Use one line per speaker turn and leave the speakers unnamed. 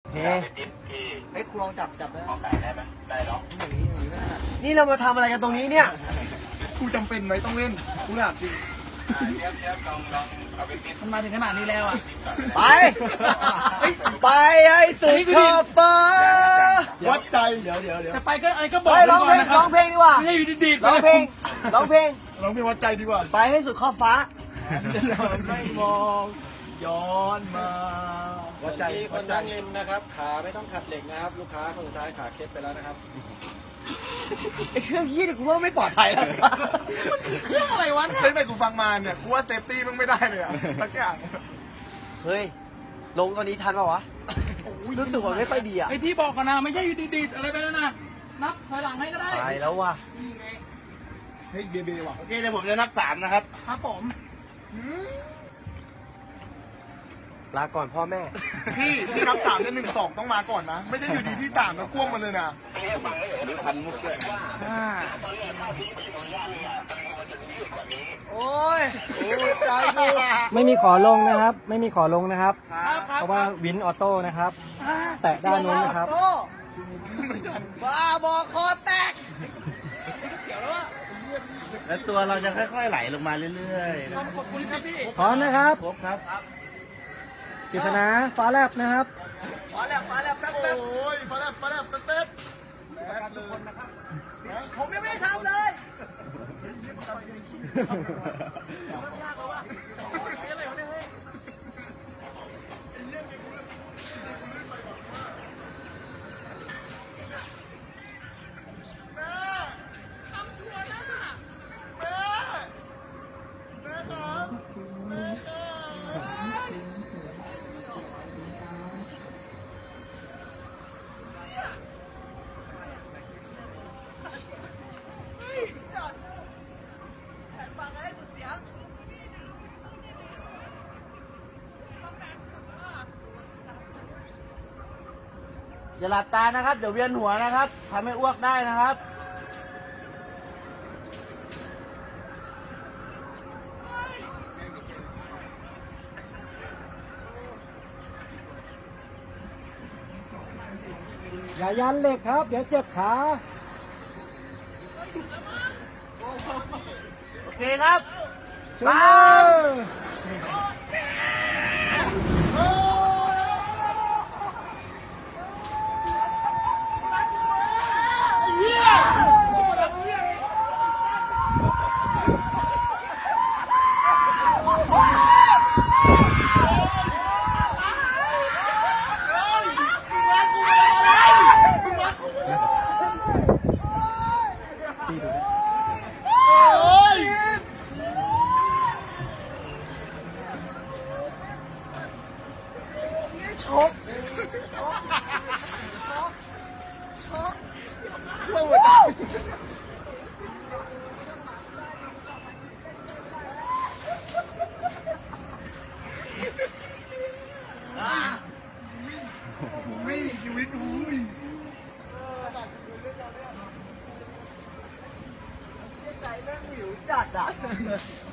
เฮ้ไอ้ครูลองจับได้ไหมได้หรออย่างนี้ไม่ได้นี่เรามาทำอะไรกันตรงนี้เนี่ยกูจำเป็นไหมต้องเล่นกูถามจริง
มันมาถึงขนาดนี้แล้วอ่ะ
ไปไปไอ้สุดขอบฟ้าวัดใจเดี๋ยว
แต่ไปก็อะไรก็บอก
ร้องเพลงร้องเพลงดีกว่า
ไม่ให้อยู่ดีๆ
ร้องเพลงร้องเพลง
วัดใจดีกว่า
ไปให้สุดขอบฟ้าไม่มองย้อนมา
วัดใจ
คนนั่งเล่นนะครับขาไม่ต้องขัดเหล็กนะครับลูกค้าคนสุดท้ายขาเคล็ดไปแล้วนะครับ
ไอ้เครื่องยี่นี่กูว่าไม่ปลอดภัยแล้ว
เครื่องอะไรวะ
ตั้งแต่กูฟังมาเนี่ยกูว่าเซฟตี้มึงไม่ได้เลยอะสักอย่าง
เฮ้ยลงตอนนี้ทันป่าวะรู้สึกว่าไม่ค่อยดีอ่ะ
ไอพี่บอกก่อนนะไม่ใช่อยู่ดีๆอะไรไปแล้วนะนับถอยหลังให้ก็ได้
ไปแล้วว่ะ
เฮ้ยเบว่ะโอเคเดี๋ยวผมจะนับ3นะครับ
ครับผม
ลาก่อนพ่อแม่
พี่นับ3เนี่ย1 2ต้องมาก่อนนะไม่ใช่อยู่ดีพี่3แล้วพ่วงมาเลยนะทันมุกด้วย
โอ้ยใจกู
ไม่มีขอลงนะครับไม่มีขอลงนะครับเพราะว่าวินออโต้นะครับแตะด้านนู้นนะครับ
บ้าบอคอแตก
แล้วตัวเราจะค่อยๆไหลลงมาเรื่อย
ๆขอบคุณครับพี่
พร้อมนะครับ
ครบครับ
กฤษณาฟ้าแลบนะครับ
ฟ้าแลบแป๊บ
โอ้ยฟ้าแลบเต้น
ทุกคนนะครับผมยังไม่ได้ทำเลย
อย่าหลับตานะครับเดี๋ยวเวียนหัวนะครับทำให้อ้วกได้นะครับ
อย่ายันเหล็กครับเดี๋ยวเจ็บขา
โอเคครับ
มา
ช็อก
ไม่ชีวิตอุ้ย
ใจแม่งหิวจัดอ่ะ